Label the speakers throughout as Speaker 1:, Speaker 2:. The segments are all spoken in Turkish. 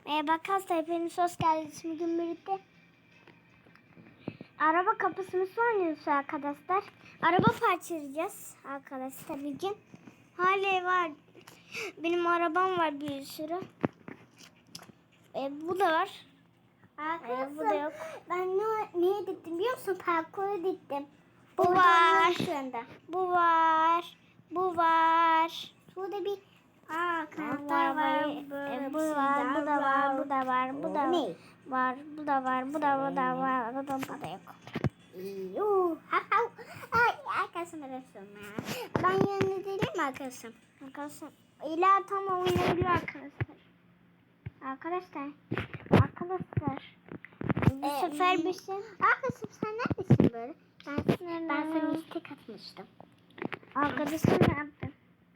Speaker 1: Arkadaşlar hepiniz hoş geldiniz. Bugün birlikte araba kapısını oynuyoruz arkadaşlar. Araba parçalayacağız arkadaşlar bir gün. Hali var. Benim arabam var bir sürü. Bu da var. Bu da yok.
Speaker 2: Ben neye diktim biliyor musun? Parkuru diktim.
Speaker 1: Bu var. Bu var. Bu var.
Speaker 2: Şurada bir
Speaker 1: Kanatlar var. Bu var. Bu da var. Bu da var. Bu da
Speaker 2: ne?
Speaker 1: var. Bu da var. Bu da var. Bu da yok.
Speaker 2: Ay arkadaşım arasın ya. Ben yanında değilim mi arkadaşım?
Speaker 1: Arkadaşlar İla tam oynayabilir arkadaşlar. Arkadaşlar. Bu sefer bir şey.
Speaker 2: Arkadaşım sen neredesin böyle?
Speaker 1: Ben
Speaker 2: sana istek atmıştım.
Speaker 1: Arkadaşım ne yaptı?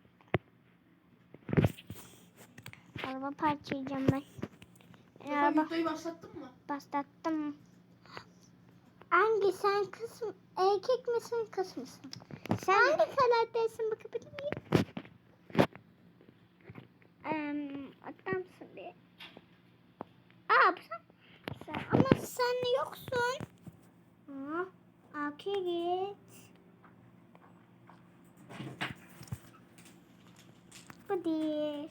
Speaker 1: Araba parçalayacağım ben. Araba
Speaker 3: Videoyu başlattın mı?
Speaker 1: başlattım.
Speaker 2: Hangi sen kız erkek misin kız mısın? Sen hangi karaktersin bakabilir miyim?
Speaker 1: Adamsın bir.
Speaker 2: Ama sen yoksun.
Speaker 1: Arkaya git. Bu değil.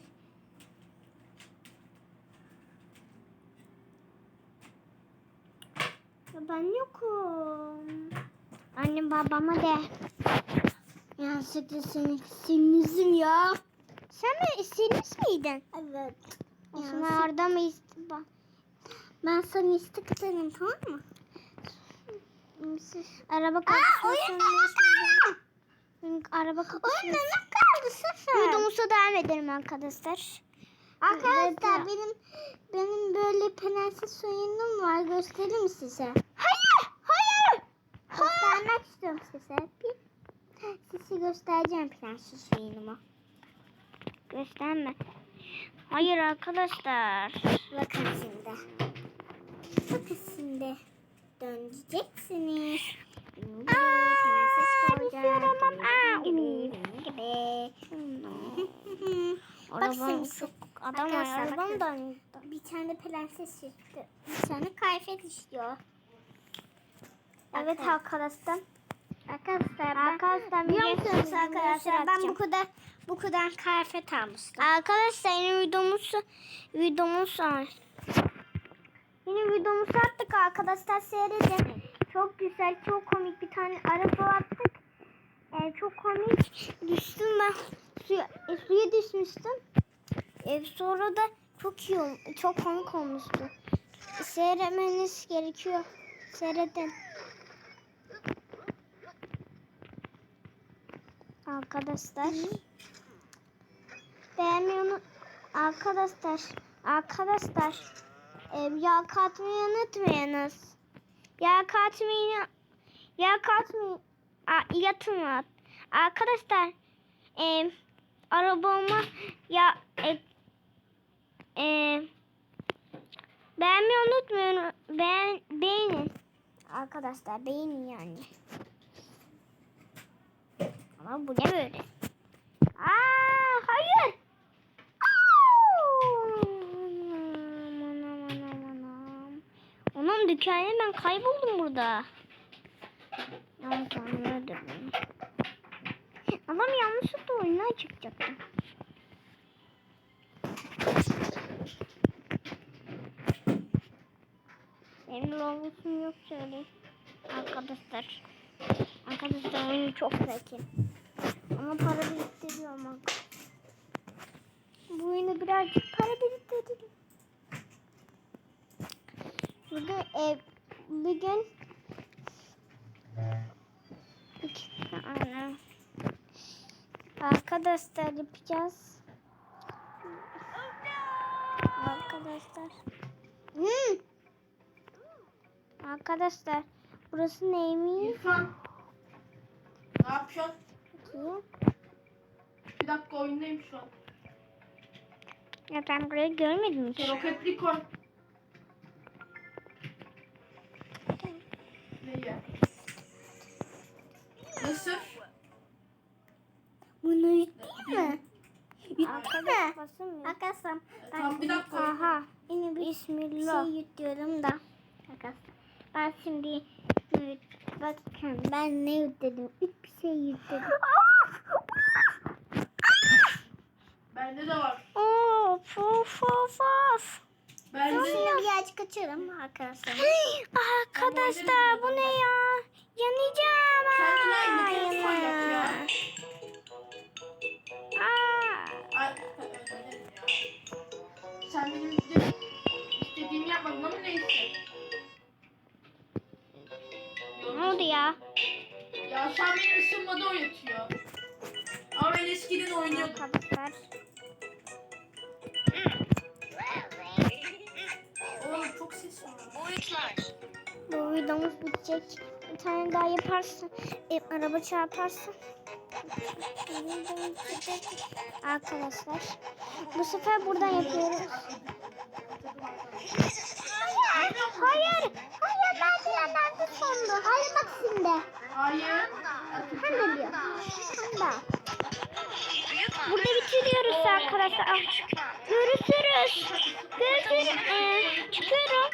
Speaker 1: Ya ben yokum. Annem babama de.
Speaker 2: Yanlışlıkla seni sinirliyim ya.
Speaker 1: Sen mi istediniz miydin?
Speaker 2: Evet.
Speaker 1: Aslında orada mı istedin?
Speaker 2: Ben sana istek atarım tamam mı?
Speaker 1: Araba
Speaker 2: oyunda
Speaker 1: Araba kapısı.
Speaker 2: Oyunda ne kaldı sıfır?
Speaker 1: Videomuza devam edelim arkadaşlar.
Speaker 2: Arkadaşlar benim böyle prenses oyunum var. Göstereyim mi size?
Speaker 1: Hayır.
Speaker 2: Göstermek istiyorum size. Size göstereceğim prenses oyunumu.
Speaker 1: Gösterme. Hayır arkadaşlar.
Speaker 2: Bakın şimdi. Bakın şimdi. Döneceksiniz. Prenses olacak. Gibi. Bak şimdi.
Speaker 1: Çok adam
Speaker 2: Arkadaşlar,
Speaker 1: arabam da.
Speaker 2: Bir tane prenses çıktı. Bir tane kıyafet istiyor.
Speaker 1: Evet arkadaşlar.
Speaker 2: Arkadaşlar biliyor musunuz arkadaşlar ben bu kadar kıyafet almıştım.
Speaker 1: Arkadaşlar yeni videomuz var. Yeni videomuzu attık arkadaşlar seyredin. Çok güzel, çok komik bir tane araba attık. Çok komik. Düştüm ben. Suya düşmüştüm. Sonra da çok komik olmuştu. Seyretmeniz gerekiyor. Seyredin. Arkadaşlar. Beğenmeyi arkadaşlar. Yağ katmayı unutmayınız. Yağ katmayı yatın. Arkadaşlar arabama beğenmeyi unutmayın. Beğenin. Arkadaşlar beğenin yani. Ama bu ne böyle? Hayır. Onun dükkanı ben kayboldum burada. Yanlış anladım. Adam yanlışlıkla oyuna çıkacaktı. Benim logosum yok şöyle. Arkadaşlar. Arkadaşlar oyunu çok zeki. Ama para biriktiriyorum bak. Bu oyunu birazcık para biriktirdim. Bugün arkadaşlar yapacağız. Arkadaşlar. Arkadaşlar burası neymiş?
Speaker 3: İrfan. Ne yapıyorsun?
Speaker 1: Bakayım.
Speaker 3: Bir dakika oyundayım şu an.
Speaker 1: Ya ben burayı görmedim hiç.
Speaker 3: Roketli koy. Neyi? Nasıl?
Speaker 2: Bunu yükleyeyim mi?
Speaker 1: Arkadaşlar basın mı?
Speaker 2: Arkadaşlar
Speaker 3: Tamam bir dakika.
Speaker 1: Aha.
Speaker 2: yine
Speaker 1: Bismillah.
Speaker 2: Şey yutuyorum da. Arkadaşlar. Ben şimdi bakın ben ne yuttum? Hiçbir şey yuttum.
Speaker 3: Bende de var.
Speaker 1: Of of of of.
Speaker 3: Bende de.
Speaker 2: Şimdi birazcık açarım arkadaşlar.
Speaker 1: Arkadaşlar bu ne ya? Yanacağım.
Speaker 3: Kendine nefes koyacak ya. Ay, öderim ya. Sen benim de istediğimi yapmadın ama neyse.
Speaker 1: Ne oldu ya?
Speaker 3: Ya şu an beni ısınmada oynatıyor. Ama ben eskiden oynuyordum.
Speaker 1: Arkadaşlar.
Speaker 3: Oğlum çok ses var.
Speaker 1: Bu videomuz bitecek. Bir tane daha yaparsın. Araba çarparsın. Arkadaşlar. Bu sefer buradan yapıyoruz.
Speaker 2: Hayır. Hayır merdivenlerde sondu. Hayır bak şimdi.
Speaker 3: Hayır.
Speaker 2: Sen ne diyorsun? Sen de.
Speaker 1: Burada bitiriyoruz arkadaşlar. Görüşürüz. Görüşürüz. Çıkıyorum.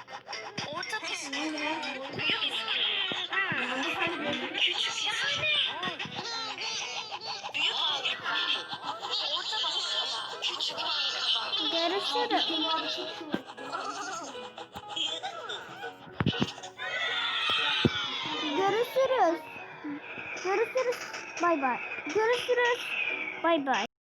Speaker 1: Görüşürüz. Görüşürüz. Görüşürüz. Bay bay. Görüşürüz. Bay bay.